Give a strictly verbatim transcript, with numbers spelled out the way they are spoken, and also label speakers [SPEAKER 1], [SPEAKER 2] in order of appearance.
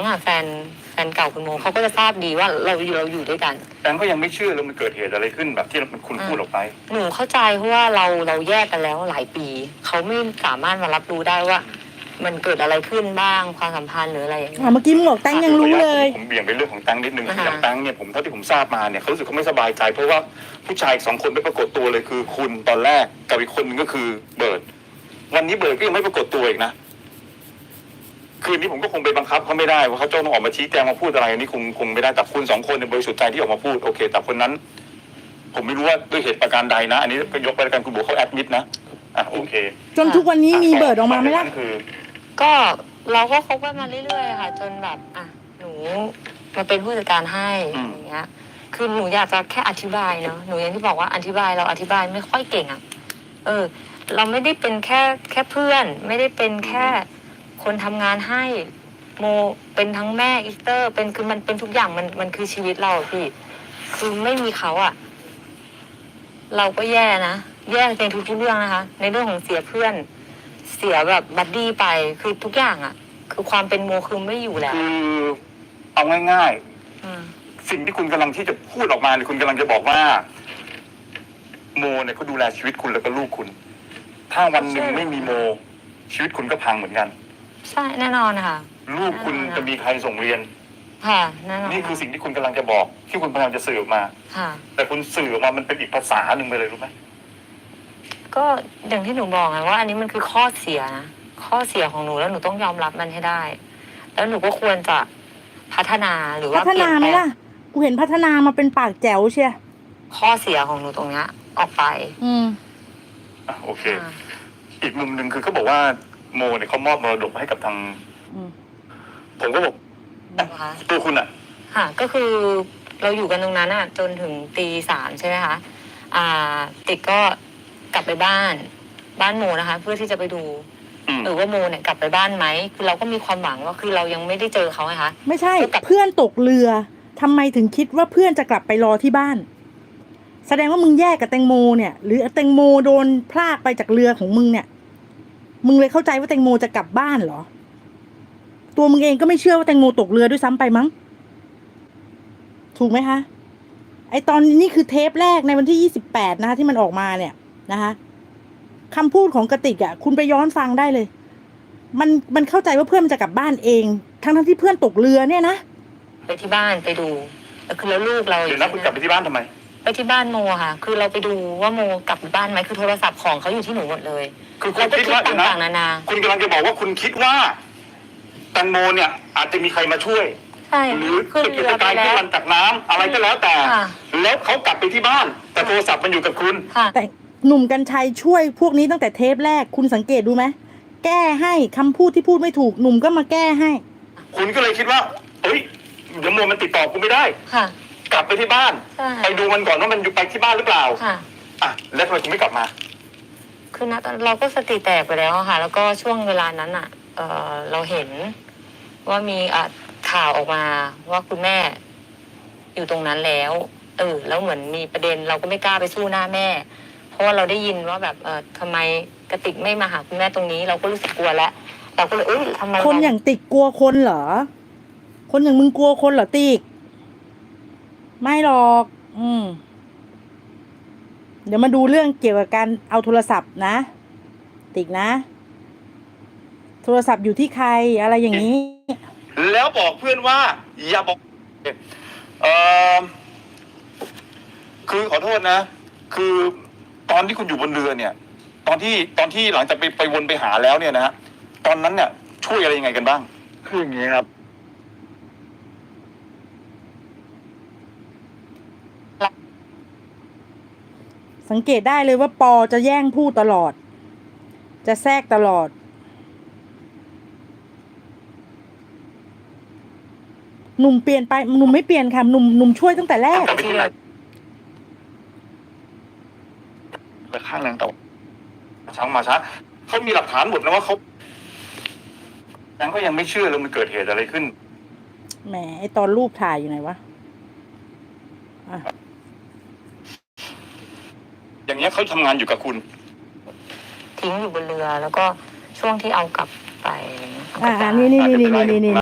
[SPEAKER 1] งค์อ่ะแฟนแฟนเก่าคุณโมเขาก็จะทราบดีว่าเราอยู่เราอยู่ด้วยกัน
[SPEAKER 2] แฟนก็ยังไม่เชื่อแล้วมันเกิดเหตุอะไรขึ้นแบบที่คุณพูดออกไป
[SPEAKER 1] หนูเข้าใจเพราะว่าเราเราแยกกันแล้วหลายปีเขาไม่สามารถมารับรู้ได้ว่ามันเกิดอะไรขึ้นบ้างความสัมพันธ์หรืออะไรอย่างเงี้ย
[SPEAKER 3] เมื่อกี้มึงบอกแตงยังรู้เลย
[SPEAKER 2] ผมเบี่ยงไปเรื่องของแตงนิดนึงคืออย่างแตงเนี่ยผมเท่าที่ผมทราบมาเนี่ยเขารู้สึกเขาไม่สบายใจเพราะว่าผู้ชายสองคนไม่ปรากฏตัวเลยคือคุณตอนแรกกับอีกคนนึงก็คือเบิร์ดวันนี้เบิร์ดก็ยังไม่ปรากฏตัวอีกนะคืนนี้ผมก็คงไปบังคับเขาไม่ได้ว่าเขาต้องออกมาชี้แจงมาพูดอะไรนี่คงคงไม่ได้แต่คุณสองคนในบริสุทธิ์ใจที่ออกมาพูดโอเคแต่คนนั้นผมไม่รู้ว่าด้วยเหตุประการใดนะอันนี้ก็ยกไปแล้วกันคุณบอกเขาแอดมิดนะอ่ะโอเค
[SPEAKER 3] จนทุกวันนี้มีเบิร์ดออกมาไหมล่ะ
[SPEAKER 1] ก็เราก็คบกันมาเรื่อยๆค่ะจนแบบอ่ะหนูมาเป็นผู้จัดการให้อย่างเงี้ยคือหนูอยากจะแค่อธิบายเนาะหนูอย่างที่บอกว่าอธิบายเราอธิบายไม่ค่อยเก่งอ่ะเออเราไม่ได้เป็นแค่แค่เพื่อนไม่ได้เป็นแค่คนทำงานให้โมเป็นทั้งแม่อีสเตอร์เป็นคือมันเป็นทุกอย่างมันมันคือชีวิตเราพี่คือไม่มีเขาอ่ะเราก็แย่นะแย่ในทุกๆเรื่องนะคะในเรื่องของเสียเพื่อนเสียแบบบัดดี้ไปคือทุกอย่างอ่ะคือความเป็นโมคือไม่อยู่แล้ว
[SPEAKER 2] คือเอาง่ายๆสิ่งที่คุณกำลังที่จะพูดออกมาเนี่ยคุณกำลังจะบอกว่าโมเนี่ยเขาดูแลชีวิตคุณแล้วก็ลูกคุณถ้าวันหนึ่งไม่มีโมชีวิตคุณก็พังเหมือนกัน
[SPEAKER 1] ใช่แน่นอนค่ะ
[SPEAKER 2] ลูกคุณจะมีใครส่งเรียน
[SPEAKER 1] ค่ะแน่นอน
[SPEAKER 2] นี่คือสิ่งที่คุณกำลังจะบอกที่คุณพยายามจะสื่อออกมา
[SPEAKER 1] ค่ะ
[SPEAKER 2] แต่คุณสื่อออกมามันเป็นอีกภาษาหนึ่งไปเลยรู้ไหม
[SPEAKER 1] ก็อย่างที่หนูบอกไงว่าอันนี้มันคือข้อเสียนะข้อเสียของหนูแล้วหนูต้องยอมรับมันให้ได้แล้วหนูก็ควรจะพัฒนาหรือว่า
[SPEAKER 3] พัฒนาไหมล่ะกูเห็นพัฒนามาเป็นปากแจ๋วเชีย
[SPEAKER 1] ข้อเสียของหนูตรงเนี้ยออกไป
[SPEAKER 3] อืม
[SPEAKER 2] อ่ะโอเคอีกมุมหนึ่งคือเขาบอกว่าโมเนี่ยเขามอบมรดกให้กับทางผมก็บอกตัวคุณอ่ะ
[SPEAKER 1] ค่ะก็คือเราอยู่กันตรงนั้นอ่ะจนถึงตีสามใช่ไหมคะอ่าติ๊กก็กลับไปบ้านบ้านโมนะคะเพื่อที่จะไปดูหรือว่าโมเนี่ยกลับไปบ้านไหมคือเราก็มีความหวังว่าคือเรายังไม่ได้เจอเขาไงคะ
[SPEAKER 3] ไม่ใช่เพื่อนตกเรือทำไมถึงคิดว่าเพื่อนจะกลับไปรอที่บ้านแสดงว่ามึงแยกกับแตงโมเนี่ยหรือแตงโมโดนพลากไปจากเรือของมึงเนี่ยมึงเลยเข้าใจว่าแตงโมจะกลับบ้านเหรอตัวมึงเองก็ไม่เชื่อว่าแตงโมตกเรือด้วยซ้ำไปมั้งถูกไหมคะไอตอนนี้คือเทปแรกในวันที่ยี่สิบแปดนะคะที่มันออกมาเนี่ยนะคะคำพูดของกติกอ่ะคุณไปย้อนฟังได้เลยมันมันเข้าใจว่าเพื่อนมันจะกลับบ้านเองทั้งทั้งที่เพื่อนตกเรือเนี่ยนะ
[SPEAKER 1] ไปที่บ้านไปดูแล้วคือแล้วลูกเรา
[SPEAKER 2] เดี๋ยวนะคุณกลับไปที่บ้านทำไม
[SPEAKER 1] ไปที่บ้านโมค่ะคือเราไปดูว่าโมกลับบ้านไหมคือโทรศัพท์ของเขาอยู่ที่หนูหมดเลย
[SPEAKER 2] คือคุณคิดว่าต่างๆนานาคุณกำลังจะบอกว่าคุณคิดว่าแตงโมเนี่ยอาจจะมีใครมาช่วยหรือขึ้นเรือไปแล้วขึ้นจากน้ำอะไรก็แล้วแต่แล้วเขากลับไปที่บ้านแต่โทรศัพท์มันอยู่กับคุณ
[SPEAKER 3] แต่หนุ่มกรรชัยช่วยพวกนี้ตั้งแต่เทปแรกคุณสังเกตดูไหมแก้ให้คำพูดที่พูดไม่ถูกหนุ่มก็มาแก้ให้
[SPEAKER 2] คุณก็เลยคิดว่าเฮ้ยเดี๋ยวโมมันติดต่อกูไม่ได้กลับไปที่บ้านไปดูมันก่อนว่ามันอยู่ไปที่บ้านหรือเปล่าอ่ะแล้วทำไมคุณไม่กลับมา
[SPEAKER 1] คือณตอนเราก็สติแตกไปแล้วค่ะแล้วก็ช่วงเวลานั้นอ่ะเออเราเห็นว่ามีอ่ะข่าวออกมาว่าคุณแม่อยู่ตรงนั้นแล้วเออแล้วเหมือนมีประเด็นเราก็ไม่กล้าไปสู้หน้าแม่เพราะว่าเราได้ยินว่าแบบเออทำไมกติกไม่มาหาคุณแม่ตรงนี้เราก็รู้สึกกลัวแล้วเราก็เลยเอ้ยทำไม
[SPEAKER 3] คนอย่างติกกลัวคนเหรอคนอย่างมึงกลัวคนเหรอติกไม่หรอกอืมเดี๋ยวมาดูเรื่องเกี่ยวกับการเอาโทรศัพท์นะติกนะโทรศัพท์อยู่ที่ใครอะไรอย่างนี้
[SPEAKER 2] แล้วบอกเพื่อนว่าอย่าบอกเออคือขอโทษนะคือตอนที่คุณอยู่บนเรือเนี่ยตอนที่ตอนที่หลังจากไปไปวนไปหาแล้วเนี่ยนะฮะตอนนั้นเนี่ยช่วยอะไรยังไงกันบ้างคืออย่างนี้ครับ
[SPEAKER 3] สังเกตได้เลยว่าปอจะแย่งพูดตลอดจะแทรกตลอดหนุ่มเปลี่ยนไปหนุ่มไม่เปลี่ยนค่ะหนุ่มหนุ่มช่วยตั้งแต่แรก
[SPEAKER 2] ไปข้างแรงต่อช้างมาช้าเขามีหลักฐานหมดนะว่าเขายังก็ยังไม่เชื่อเลยมันเกิดเหตุอะไรขึ้น
[SPEAKER 3] แหมไอตอนรูปถ่ายอยู่ไหนวะ
[SPEAKER 2] อย่างเงี้ยเขาทำงานอยู่กับคุณ
[SPEAKER 1] ทิ้งอยู่บนเรือแล้วก็ช่วงที่เอากลับไป
[SPEAKER 3] อ่านี่นี่นี่นี่นี่